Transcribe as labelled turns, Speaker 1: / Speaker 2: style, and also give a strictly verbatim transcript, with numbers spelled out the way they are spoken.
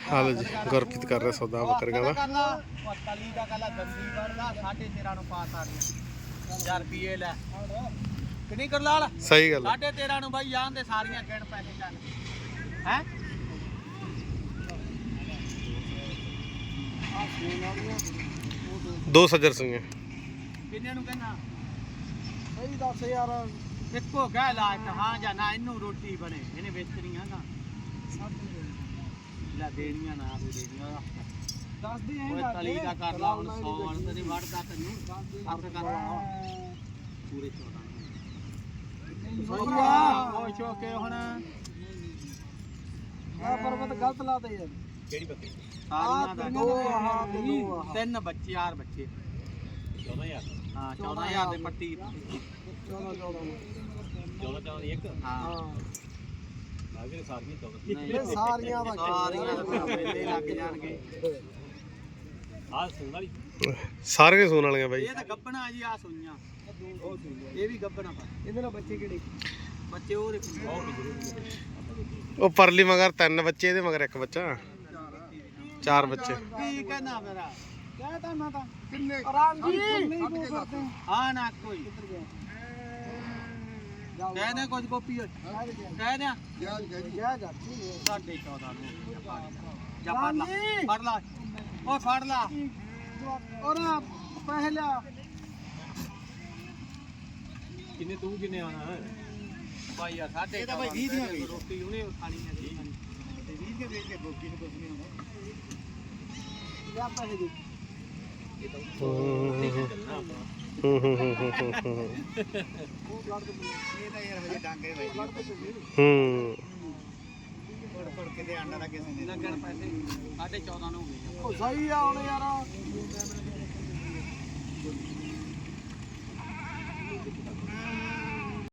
Speaker 1: ਹਾਲ ਜੀ ਗੁਰਪ੍ਰੀਤ ਕਰ ਰਿਹਾ ਸੌਦਾ ਬੱਕਰੀਆਂ ਦਾ।
Speaker 2: ਤਲੀ ਦਾ ਕੱਲਾ ਦੰਦੀ ਵੜਦਾ ਸਾਢੇ ਤੇਰਾਂ ਨੂੰ ਪਾ ਸਾਰੀਆਂ ਹਜ਼ਾਰ ਰੁਪਏ ਲੈ ਕਿੰਨੀ ਕਰ ਲਾਲ
Speaker 1: ਸਹੀ ਗੱਲ
Speaker 2: ਸਾਢੇ ਤੇਰਾਂ ਨੂੰ ਬਾਈ ਜਾਣ ਦੇ ਸਾਰੀਆਂ ਗਿਣ ਪੈਸੇ ਚੱਲ ਹੈ
Speaker 1: ਦੋ ਸੱਜਰ ਸਿੰਘ
Speaker 2: ਕਿੰਨੇ ਨੂੰ ਕਹਿਣਾ
Speaker 3: ਸਹੀ ਦੱਸ ਯਾਰ
Speaker 2: ਇੱਕੋ ਕਹਿ ਲਾ ਇੱਕ ਹਾਂ ਜਾਂ ਨਾ ਇਹਨੂੰ ਰੋਟੀ ਬਣੇ ਇਹਨੇ ਵੇਚਣੀਆਂ ਨਾ ਲੈ ਦੇਣੀਆਂ ਨਾ ਵੀ ਦੇਣੀਆਂ
Speaker 3: ਦੱਸ ਦੇ
Speaker 2: ਓਏ ਤਲੀ ਦਾ ਕਰ ਲਾ ਹੁਣ ਸੌ ਵਾਲ ਤੇ ਨਹੀਂ ਵੜਦਾ ਤੈਨੂੰ ਅੱਠ ਕਰ ਲਾ ਪੂਰੇ ਚੌਦਾਂ ਖੁਸ਼ ਹੋ ਕੇ ਹੁਣ
Speaker 3: ਆ ਪਰਬਤ ਗਲਤ ਲਾਤੇ ਯਾਰ
Speaker 2: ਕਿਹੜੀ ਬੱਕਰੀ
Speaker 3: ਆ ਦੋ ਆਹ ਤੇ ਦੋ ਆਹ
Speaker 2: ਤਿੰਨ ਬੱਚੇ ਚਾਰ ਬੱਚੇ ਚੌਦਾਂ ਹਜ਼ਾਰ ਹਾਂ ਚੌਦਾਂ ਹਜ਼ਾਰ ਦੇ ਪੱਟੀ
Speaker 3: ਚੌਦਾਂ ਚੌਦਾਂ
Speaker 2: ਚੌਦਾਂ ਚੌਦਾਂ ਦੀ ਇੱਕ ਹਾਂ
Speaker 3: ਇਹ ਸਾਰੀਆਂ ਦਾ
Speaker 2: ਸਾਰੀਆਂ ਮੇਲੇ ਲੱਗ ਜਾਣਗੇ ਆਹ ਸੁਣ ਵਾਲੀ
Speaker 1: ਸਾਰੀਆਂ ਸੂਣ ਵਾਲੀਆਂ ਬਾਈ।
Speaker 2: ਇਹ ਤਾਂ ਗੱਬਣਾ ਜੀ ਆ ਸੁਈਆਂ ਇਹ ਵੀ ਗੱਬਣਾ ਪਾ
Speaker 3: ਇਹਦੇ ਨਾਲ ਬੱਚੇ ਕਿਹੜੇ
Speaker 2: ਬੱਚੇ ਉਹ ਦੇਖੋ
Speaker 1: ਉਹ ਪਰਲੀ ਮਗਰ ਤਿੰਨ ਬੱਚੇ ਇਹਦੇ ਮਗਰ ਇੱਕ ਬੱਚਾ ਚਾਰ ਬੱਚੇ।
Speaker 2: ਕੀ ਕਹਿਣਾ ਮੇਰਾ
Speaker 3: ਕਹਿ ਤਾ ਮੈਂ ਤਾਂ ਕਿੰਨੇ ਰਾਮ ਜੀ ਨਹੀਂ ਬੋਲ ਕਰਦੇ
Speaker 2: ਹਾਂ ਨਾ ਕੋਈ ਕਹਿ ਦੇ ਕੁਝ ਗੋਪੀ ਕਹਿ ਦੇ
Speaker 3: ਜਾ ਜਾ ਜਾ
Speaker 2: ਸਾਢੇ ਚੌਦਾਂ ਨੂੰ ਜਾ ਫੜ ਲਾ ਫੜ ਲਾ ਓਏ ਫੜ ਲਾ
Speaker 3: ਔਰ ਪਹਿਲਾ
Speaker 2: ਕਿੰਨੇ ਤੂੰ ਕਿੰਨੇ ਆਣਾ ਹੈ ਭਾਈ ਯਾਰ ਸਾਢੇ ਚੌਦਾਂ ਭਾਈ ਵੀਹ ਦੀਆਂ ਰੋਟੀ ਉਹਨੇ ਖਾਣੀ ਹੈ ਜੀ ਤੇ ਵੀਹ ਦੀਆਂ ਵੇਚ ਕੇ ਗੋਪੀ ਨੂੰ ਕੁਝ ਨਹੀਂ ਆਉਂਦਾ
Speaker 3: ਜਾ ਪੈਸੇ ਦੇ
Speaker 1: ਹੂੰ ਹੂੰ ਹੂੰ ਹੂੰ
Speaker 2: ਇਹ ਤਾਂ ਯਾਰ ਹਜੇ ਡਾਂਗੇ ਬਾਈ
Speaker 1: ਹੂੰ
Speaker 2: ਫੜ ਫੜ ਕੇ ਦੇ ਆਂਡਾ ਦਾ ਕਿਸੇ ਨੇ ਲੱਗਣ ਪੈਸੇ ਸਾਢੇ ਚੌਦਾਂ ਨੂੰ ਹੋ ਗਏ
Speaker 3: ਉਹ ਸਹੀ ਆ ਹੁਣ ਯਾਰ